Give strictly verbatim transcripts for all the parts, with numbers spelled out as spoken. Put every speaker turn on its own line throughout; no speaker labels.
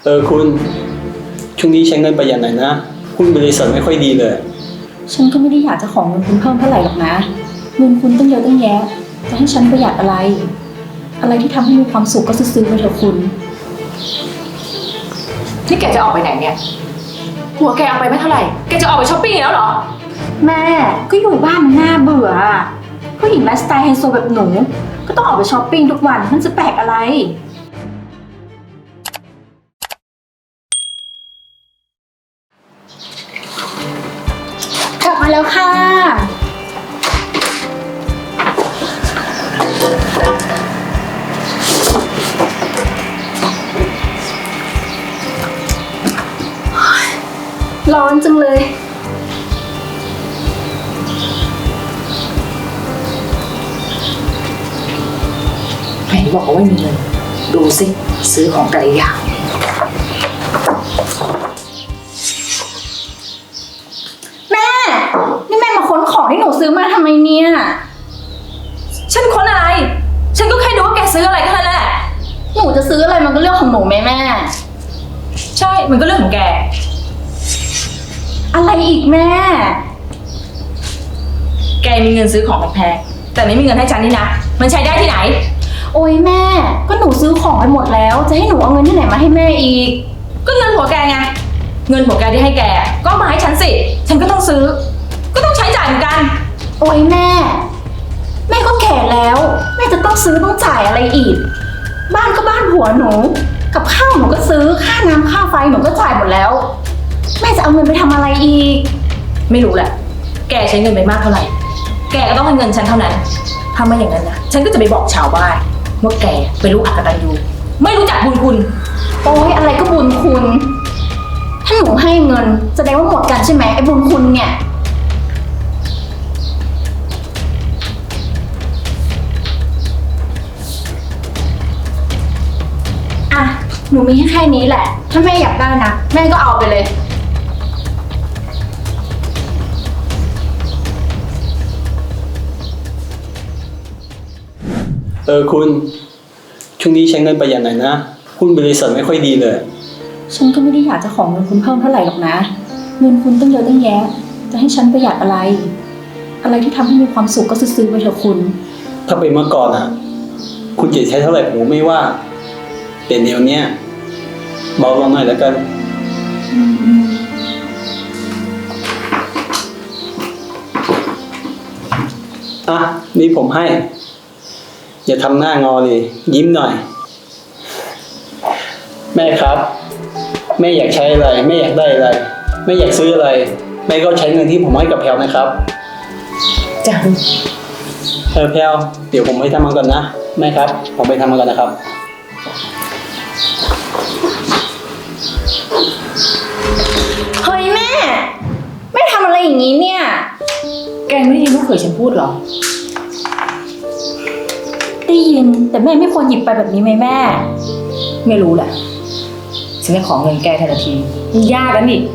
เออคุณช่วงนี้ใช้เงินประหยัดหน่อยนะหุ้นบริษัทไม่ค่อยดีเลย
ฉันก็ไม่ได้อยากจะขอเงินคุณเพิ่มเท่าไหร่หรอกนะเงินคุณตั้งเยอะตั้งแยะจะให้ฉันประหยัดอะไรอะไรที่ทำให้มีความสุขก็ซื้อไปเถอะคุณ
นี่แกจะออกไปไหนเนี่ยหัวแกเอาไปไม่เท่าไหร่แกจะออกไปช้อปปิ้งแล้วเหรอ
แม่ก็อยู่บ้านมันน่าเบื่อผู้หญิงไลฟ์สไตล์ไฮโซแบบหนูก็ต้องออกไปช้อปปิ้งทุกวันมันจะแปลกอะไรกลับมาแล้วค่ะร้อนจังเลย
ไหนบอกว่าไม่มีเงินดูสิซื้อของแต่ละอย่าง
แม่นี่แม่มาค้นของที่หนูซื้อมาทำไมเนี่ย
ฉันค้นอะไรฉันก็แค่ดูว่าแกซื้ออะไรแค่นั้นแหละ
หนูจะซื้ออะไรมันก็เรื่องของหนูแม่แม่
ใช่มันก็เรื่องของแก
อะไรอีกแม่
แกมีเงินซื้อของแพงแต่ไม่มีเงินให้ฉันนี่นะมันใช้ได้ที่ไหน
โอ้ยแม่ก็หนูซื้อของไปหมดแล้วจะให้หนูเอาเงินที่ไหนมาให้แม่อีก
ก็เงินผัวแกไงเงินผัวแกที่ให้แกก็มาให้ฉันสิฉันก็ต้องซื้อก็ต้องใช้จ่ายเหมือนกัน
โอ้ยแม่แม่ก็แก่แล้วแม่จะต้องซื้อต้องจ่ายอะไรอีกบ้านก็บ้านผัวหนูกับข้าวหนูก็ซื้อค่าน้ำค่าไฟหนูก็จ่ายหมดแล้วแม่จะเอาเงินไปทำอะไรอีก
ไม่รู้แหละแกใช้เงินไปมากเท่าไหร่แกก็ต้องให้เงินฉันเท่านั้นถ้าไม่อย่างนั้นนะฉันก็จะไปบอกชาวบ้านว่าแกเป็นลูกอักตันยูไม่รู้จักบุญคุณ
โอ้ยอะไรก็บุญคุณถ้าหนูให้เงินแสดงว่าหมดกันใช่ไหมไอ้บุญคุณเนี่ยอ่ะหนูมีแค่นี้แหละถ้าแม่อยากได้นะแม่ก็เอาไปเลย
เออคุณช่วงนี้ใช้เงินประหยัดหน่อยนะหุ้นบริษัทไม่ค่อยดีเลย
ฉันก็ไม่ได้อยากจะขอเงินคุณเพิ่มเท่าไหร่หรอกนะเงินคุณตั้งเยอะตั้งแยะจะให้ฉันประหยัดอะไรอะไรที่ทำให้มีความสุขก็ซื้อไปเถอะคุณ
ถ้าเป็นเมื่อก่อนอ่ะคุณจะใช้เท่าไหร่ผมไม่ว่าแต่เดี๋ยวนี้เบาลงหน่อยแล้วกันอ่ะนี่ผมให้อย่าทำหน้างอเลยยิ้มหน่อยแม่ครับแม่อยากใช้อะไรแม่อยากได้อะไรแม่อยากซื้ออะไรแม่ก็ใช้เงินที่ผมให้กับแพลวนะครับ
จ้ะ
เออแพลวเดี๋ยวผมไปทำงานก่อนนะแม่ครับผมไปทำงานก่อนนะครับ
เฮ้ยแม่แม่ทำอะไรอย่างนี้เนี่ย
แกไม่ได้ยินลูกเขยฉันพูดหรอ
ได้ยินแต่แม่ไม่ควรหยิบไปแบบนี้ไหมแม่
ไม่รู้แหละฉันจะขอเงินแกทันทีมันยากแล้วนี่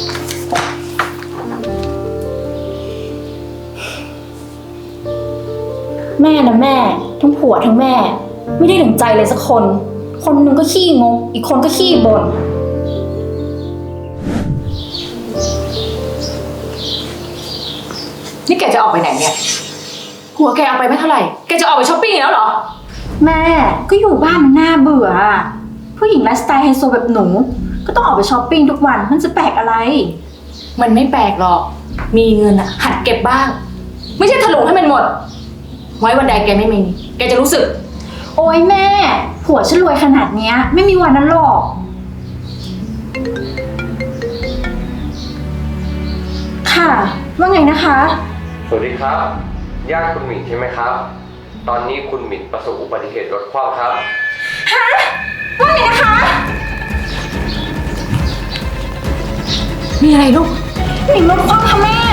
แม่นะแม่ทั้งผัวทั้งแม่ไม่ได้ถึงใจเลยสักคนคนนึงก็ขี้งกอีกคนก็ขี้บ่น
นี่แกจะออกไปไหนเนี่ยหัวแกเอาไปไม่เท่าไหร่แกจะออกไปช้อปปิ้งแล้วเหรอ
แม่ก็อยู่บ้านมันน่าเบื่อผู้หญิงไลฟ์สไตล์ไฮโซแบบหนูก็ต้องออกไปช้อปปิ้งทุกวันมันจะแปลกอะไร
มันไม่แปลกหรอกมีเงินอะหัดเก็บบ้างไม่ใช่ถลุงให้มันหมดไว้วันใดแกไม่มีแกจะรู้สึก
โอ๊ยแม่ผัวฉันรวยขนาดเนี้ยไม่มีวันนั้นหรอกค่ะว่าไงนะคะ
สวัสดีครับญาติคุณหมิ่นใช่ไหมครับตอนนี้คุณหมิ่นประสบอุบัติเหตุรถคว่ำครับ
ฮะว่าไงนะคะ
มีอะไรลูก
หมิ่นรถคว่ำค่ะแม่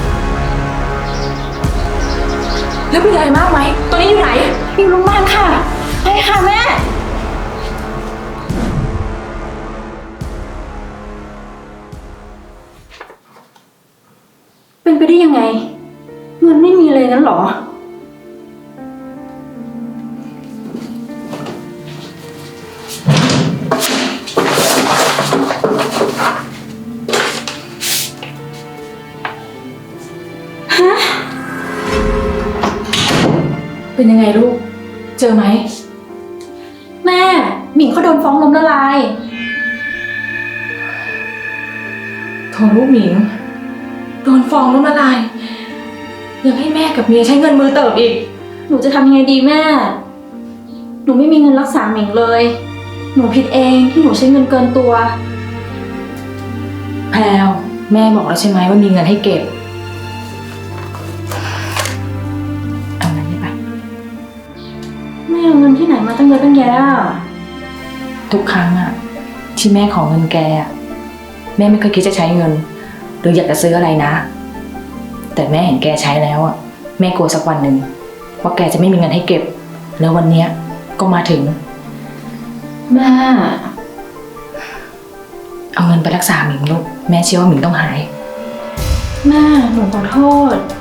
แล้วเป็นอะไรมากไหมตอนนี้อยู่ไหน
อยู่โรงพยาบาลค่ะไปค่ะแม่เป็นไปได้ยังไงเงินไม่มีเลยงั้นหรอ
ค
เป็นยังไงลูก เจอไหม
แม่หมิงเขาโดนฟ้องล้มละลาย
โถลูกหมิง โดนฟ้องล้มละลาย ยังให้แม่กับเมียใช้เงินมือเติบอีก
หนูจะทำยังไงดีแม่ หนูไม่มีเงินรักษาหมิงเลย หนูผิดเองที่หนูใช้เงินเกินตัว
แพลวแม่บอกแล้วใช่ไหมว่ามีเงินให้เก็บ เอาเงินนี้ไป
แม่เอาเงินที่ไหนมาตั้งเยอะตั้งแยะอะ
ทุกครั้งอะที่แม่ขอเงินแกอะแม่ไม่เคยคิดจะใช้เงิน หรืออยากจะซื้ออะไรนะ แต่แม่เห็นแกใช้แล้วอะแม่กลัวสักวันหนึ่งว่าแกจะไม่มีเงินให้เก็บ แล้ววันเนี้ยก็มาถึง
แม่
เอาเงินไปรักษาหมิงลูกแม่เชื่อว่าหมิงต้องหาย
แม่หนูขอโทษ